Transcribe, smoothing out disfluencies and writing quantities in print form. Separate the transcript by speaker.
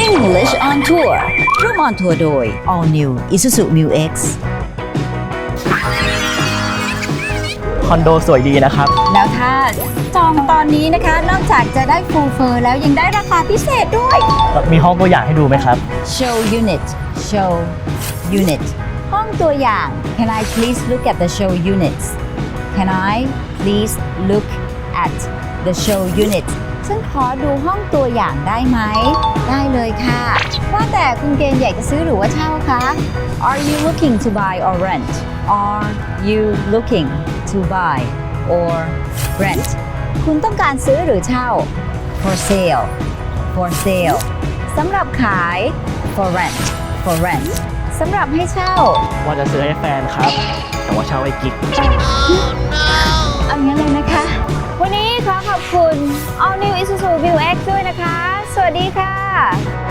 Speaker 1: English on Tour ร่วม on tour โดย All New Isuzu Mu X
Speaker 2: คอนโดสวยดีนะครับ
Speaker 1: แล้วถ้าจองตอนนี้นะคะนอกจากจะได้ full fur แล้วยังได้ราคาพิเศษด้วย
Speaker 2: มีห้องตัวอย่างให้ดูไหมครับ
Speaker 1: Show unit Show unit ห้องตัวอย่าง Can I please look at the show units Can I please look at the show units ฉันขอดูห้องตัวอย่างได้ไหม ได้เลยค่ะ ว่าแต่คุณเกณฑ์อยากจะซื้อหรือว่าเช่าคะ Are you looking to buy or rent? Are you looking to buy or rent? คุณต้องการซื้อหรือเช่า For sale For sale สำหรับขาย For rent For rent สำหรับให้เช่า
Speaker 2: ว่าจะซื้อให้แฟนครับ แต่ว่าเช่าไอ้กิ๊ก
Speaker 1: เอางั้นเลยนะคะ วันนี้ขอขอบคุณ All New Isuzu Mu X ด้วยนะคะ สวัสดีค่ะ